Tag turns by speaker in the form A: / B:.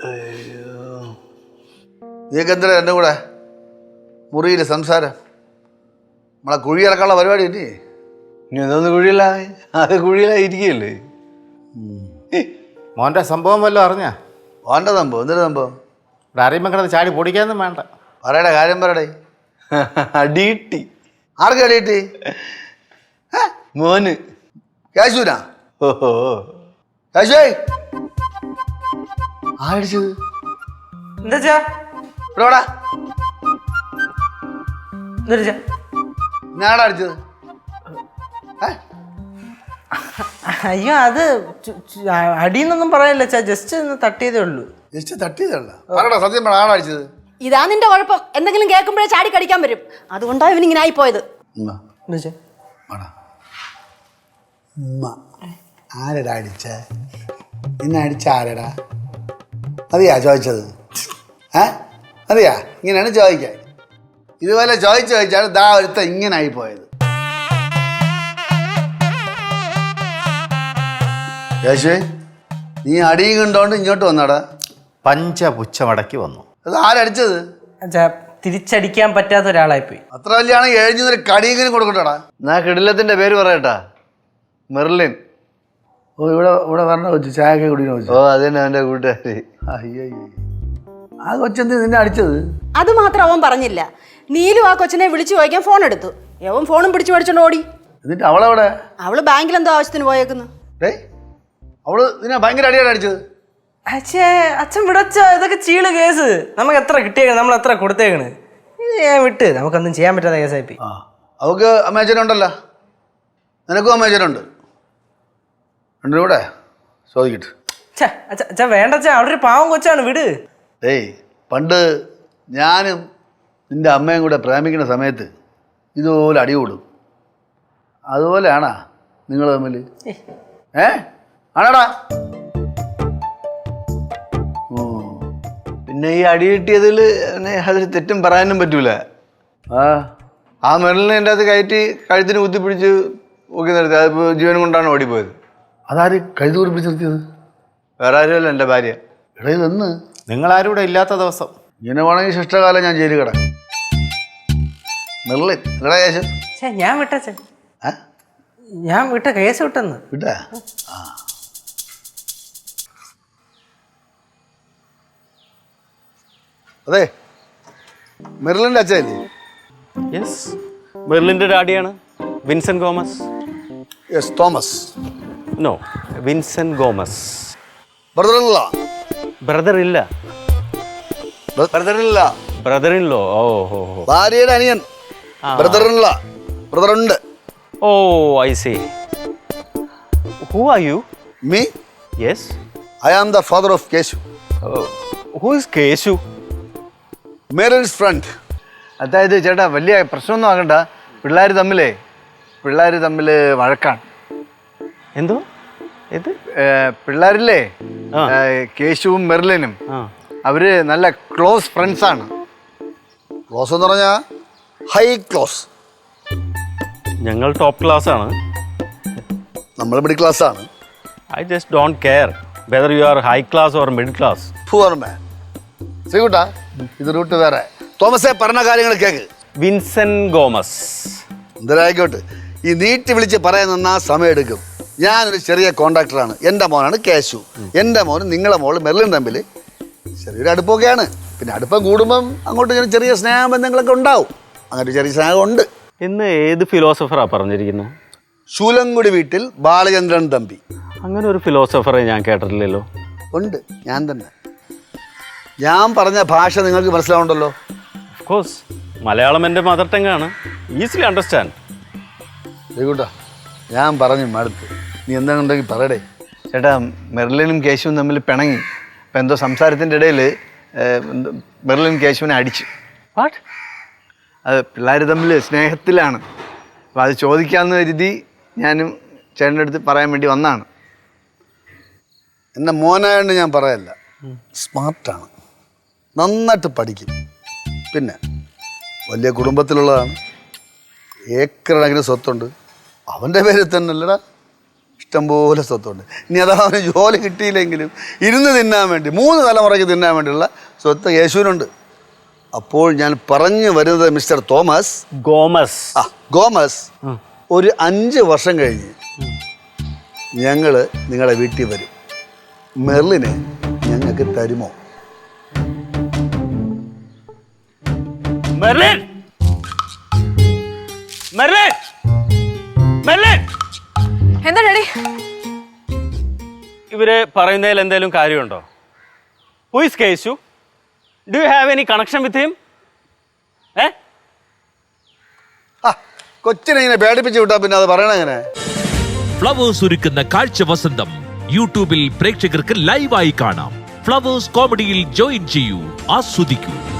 A: നീക്ക് എന്തിനാ എൻ്റെ കൂടെ മുറിയിൽ സംസാരം? നമ്മളെ കുഴിയിറക്കാനുള്ള പരിപാടി ഇല്ലേ?
B: ഇനി എന്തോന്ന് കുഴിയില്ല, അത് കുഴിയിലായിരിക്കുകയല്ലേ. മോൻ്റെ സംഭവം വല്ലതും അറിഞ്ഞാ?
A: ഓൻ്റെ സംഭവം എന്തൊരു സംഭവം?
B: ഇവിടെ അറിയുമ്പോൾ കിടന്ന് ചാടി പൊടിക്കാനൊന്നും വേണ്ട.
A: പറയടേ, കാര്യം പറയടേ.
B: അടിയിട്ടി.
A: ആർക്ക് അടിയിട്ടി?
B: മോന്.
A: കേശുനാ?
B: ഓഹോ,
A: കേശുവേ ആടിച്ചത്
C: എന്താ
A: ഇവിടെടാ.
C: എന്താ
A: ഞാടാ അടിച്ചത്?
C: അയ്യോ, അത് അടിയെന്നൊന്നും പറയല്ല ചാ, ജസ്റ്റ് ഒന്ന് തട്ടിയതേ ഉള്ളൂ.
A: ജസ്റ്റ് തട്ടിയതല്ല. പറയടാ, സത്യം പറ, ആടാ അടിച്ചത്?
D: ഇതാ നിന്റെ കുഴപ്പം. എന്തെങ്കിലും കേൾക്കുമ്പോഴേ ചാടി കടിക്കാൻ വരും. അതുകൊണ്ടാണ് ഇവനിങ്ങനെ ആയിപ്പോയത്.
A: ആരടാ അടിച്ച? എന്നെ അടിച്ച ആരടാ? മതിയാ ചോദിച്ചത്? മതിയാ? ഇങ്ങനെയാണ് ചോദിക്കാൻ. ഇതുപോലെ ചോദിച്ചാണ് ദാ ഒരുത്ത ഇങ്ങനെ ആയിപ്പോയത്. യേശുവേ, നീ അടിയും കണ്ടോണ്ട് ഇങ്ങോട്ട് വന്നാടാ.
B: പഞ്ചപുച്ഛമടക്കി വന്നു.
A: അത് ആരടിച്ചത്?
C: തിരിച്ചടിക്കാൻ പറ്റാത്ത ഒരാളായിപ്പോയി.
A: അത്ര വലിയാണെങ്കിൽ എഴുന്നൊരു കടിയെങ്കിലും കൊടുക്കട്ടാടാ.
B: എന്നാ കിടിലത്തിന്റെ പേര് പറയട്ടാ. മെർലിൻ.
A: ഓ, ഇവിടെ വരണ വെച്ചു ചായക്കെ കുടിക്കണ വെച്ചു.
B: ഓ, അതന്നെ അവന്റെ കൂട്ടുകാരി.
A: അയ്യോ, ആ കൊച്ചെന്ത് നിന്നെ അടിച്ചത്?
D: അത് മാത്രം അവൻ പറഞ്ഞില്ല. നീലു ആ കൊച്ചിനെ വിളിച്ചു ചോദിക്കാൻ ഫോൺ എടുത്തു. അവൻ ഫോണും പിടിച്ചു മേടിച്ചോണ്ട് ഓടി.
A: എന്നിട്ട് അവളെവിടെ?
D: അവള് ബാങ്കിൽ എന്തോ ആവശ്യത്തിന് പോയേക്കുന്നു.
A: അവള് നിന്നെ ഭയങ്കര അടിയാണ് അടിച്ചത്.
C: അച്ഛൻ വിടച്ച, ഇതൊക്കെ ചീള് കേസ്. നമുക്ക് എത്ര കിട്ടിയേക്കണ്, നമ്മൾ എത്ര കൊടുത്തേക്കണ്. ഇത് ഞാൻ വിട്ട്, നമുക്കൊന്നും ചെയ്യാൻ പറ്റാത്ത കേസായിപ്പോയി.
A: അവക്ക് അമ്മേച്ചനുണ്ടല്ലോ, നിനക്കും അമ്മേച്ചനുണ്ട്. രണ്ടും കൂടെ ചോദിക്കട്ടെ.
C: അച്ഛാ വേണ്ട അച്ഛാ, അവിടെ ഒരു പാവം കൊച്ചാണ്, വിട്.
A: പണ്ട് ഞാനും നിന്റെ അമ്മയും കൂടെ പ്രേമിക്കുന്ന സമയത്ത് ഇതുപോലെ അടി കൂടും. അതുപോലെയാണാ നിങ്ങൾ തമ്മിൽ? ആണാടാ?
B: പിന്നെ ഈ അടി കിട്ടിയതിൽ അതിൽ തെറ്റും പറയാനും പറ്റൂല. ആ മെർലിനെ എൻ്റെ അകത്ത് കയറ്റി കഴുത്തിന് കുത്തിപ്പിടിച്ച് ഊക്കി നിർത്തി. അതിപ്പോൾ ജീവൻ കൊണ്ടാണ് ഓടിപ്പോയത്.
A: അതാര് കഴുതി കുറിപ്പിച്ച് നിർത്തിയത്?
B: വേറെ ആരുമല്ല, എൻ്റെ ഭാര്യ.
A: എടാ, ഇതെന്ന്?
B: നിങ്ങളാരും ഇവിടെ ഇല്ലാത്ത ദിവസം.
A: ഇങ്ങനെ വേണമെങ്കിൽ ശിഷ്ടകാലം ഞാൻ ജയിലിൽ കിടക്കാം. മെർലിൻ എടാ കേശു?
C: ഞാൻ വിട്ടച്ഛ, ഞാൻ വിട്ട കേസ് വിട്ടെന്ന്.
A: വിട്ടാ? അതെ, മെർലിൻ്റെ അച്ഛല്ലേ?
B: യെസ്, മെർലിൻ്റെ ഡാഡിയാണ് Vincent Gomez.
A: Yes, Thomas.
B: No, Vincent Gomez.
A: ബ്രദറിനുള്ള?
B: ബ്രദർ ഇല്ല.
A: ബ്രദറിനുള്ള?
B: Brother in law. ഓ ഹോ ഹോ,
A: ഭാര്യയുടെ അനിയൻ. ബ്രദറിനുള്ള? ബ്രദറുണ്ട്.
B: Oh, I see. Who are you?
A: Me?
B: Yes,
A: I am the father of Keshu.
B: Who is Keshu?
A: Merin's friend.
B: അതായത് ചേട്ടാ, വലിയ പ്രശ്നമൊന്നും ആകണ്ട. പിള്ളേർ തമ്മിൽ വഴക്കാണ്. എന്തോ ഇത്? പിള്ളേരില്ലേ, കേശുവും മെർലിനും അവര് നല്ല ക്ലോസ് ഫ്രണ്ട്സാണ്.
A: ക്ലോസ് എന്ന് പറഞ്ഞാൽ ഹൈ ക്ലോസ്.
B: ഞങ്ങൾ ടോപ്പ് ക്ലാസ് ആണ്.
A: നമ്മൾ മിഡിൽ ക്ലാസ് ആണ്.
B: I just don't care whether you are high class or middle class.
A: Poor man. ശ്രീകുട്ടാ, ഇത് റൂട്ട് വേറെ. തോമസേ, പറഞ്ഞ കാര്യങ്ങൾ കേക്ക്.
B: Vincent Gomez.
A: എന്തായായിക്കോട്ടെ, ഈ നീട്ടി വിളിച്ച് പറയാൻ നിന്നാ സമയം എടുക്കും. ഞാനൊരു ചെറിയ കോൺട്രാക്ടറാണ്. എൻ്റെ മോനാണ് കേശു. എൻ്റെ മോനും നിങ്ങളെ മോള് മെർലിൻ തമ്മിൽ ചെറിയൊരു അടുപ്പമൊക്കെയാണ്. പിന്നെ അടുപ്പം കൂടുമ്പം അങ്ങോട്ട് ഇങ്ങനെ ചെറിയ സ്നേഹബന്ധങ്ങളൊക്കെ ഉണ്ടാവും. അങ്ങനെ ചെറിയ സ്നേഹമുണ്ട്.
B: ഇന്ന് ഏത് ഫിലോസഫറാ പറഞ്ഞിരിക്കുന്നത്?
A: ശൂലങ്കുടി വീട്ടിൽ ബാലചന്ദ്രൻ തമ്പി.
B: അങ്ങനെ ഒരു ഫിലോസഫറെ ഞാൻ കേട്ടിട്ടില്ലല്ലോ.
A: ഉണ്ട്, ഞാൻ തന്നെ. ഞാൻ പറഞ്ഞ ഭാഷ നിങ്ങൾക്ക് മനസ്സിലാവുണ്ടല്ലോ?
B: ഓഫ് കോഴ്സ്, മലയാളം എൻ്റെ മദർ ടങ്ങാണ്. Easily understand.
A: ശ്രീകുട്ടാ, ഞാൻ പറഞ്ഞു മടുത്ത്. നീ എന്താണെന്നുണ്ടെങ്കിൽ പറയടേ.
B: ചേട്ടാ, മെർലിനും കേശുവും തമ്മിൽ പിണങ്ങി. അപ്പം എന്തോ സംസാരത്തിൻ്റെ ഇടയിൽ മെർലിൻ കേശുവിനെ അടിച്ചു. വാട്ട്? അത് പിള്ളേർ തമ്മിൽ സ്നേഹത്തിലാണ്. അപ്പോൾ അത് ചോദിക്കാമെന്ന് കരുതി ഞാനും ചേട്ടൻ്റെ അടുത്ത് പറയാൻ വേണ്ടി വന്നതാണ്.
A: എൻ്റെ മോനായതുകൊണ്ട് ഞാൻ പറയല്ല. സ്മാർട്ടാണ്, നന്നായിട്ട് പഠിക്കും. പിന്നെ വലിയ കുടുംബത്തിലുള്ളതാണ്. ഏക്കർ കണക്കിന് സ്വത്തുണ്ട്. അവൻ്റെ പേരിൽ തന്നെ അല്ലടാ, ഇഷ്ടംപോലെ സ്വത്തുണ്ട്. ഇനി അതാ അവന് ജോലി കിട്ടിയില്ലെങ്കിലും ഇരുന്ന് തിന്നാൻ വേണ്ടി 3 തലമുറയ്ക്ക് തിന്നാൻ വേണ്ടിയുള്ള സ്വത്ത് യേശുവിനുണ്ട്. അപ്പോൾ ഞാൻ പറഞ്ഞു വരുന്നത് മിസ്റ്റർ
E: ഗോമസ്
A: ഗോമസ്, ഒരു 5 വർഷം കഴിഞ്ഞ് ഞങ്ങൾ നിങ്ങളുടെ വീട്ടിൽ വരും. മെർലിനെ ഞങ്ങൾക്ക് തരുമോ?
E: മെർലിൻ മെർലിൻ മെർലിൻ
F: എന്താ ഡാഡി?
E: ഇവര് പറയുന്നതിൽ എന്തെങ്കിലും കാര്യമുണ്ടോ? Who is Keshu? Do you have any connection with him?
A: കൊച്ചിനെ ഇങ്ങനെ പേടിപ്പിച്ച് വിട്ടാ പിന്നെ അത് പറയണ എങ്ങനെ?
G: ഫ്ലവേഴ്സ് ഒരുക്കുന്ന കാഴ്ച വസന്തം യൂട്യൂബിൽ പ്രേക്ഷകർക്ക് ലൈവായി കാണാം. ഫ്ലവേഴ്സ് കോമഡിയിൽ ജോയിൻ ചെയ്യൂ, ആസ്വദിക്കൂ.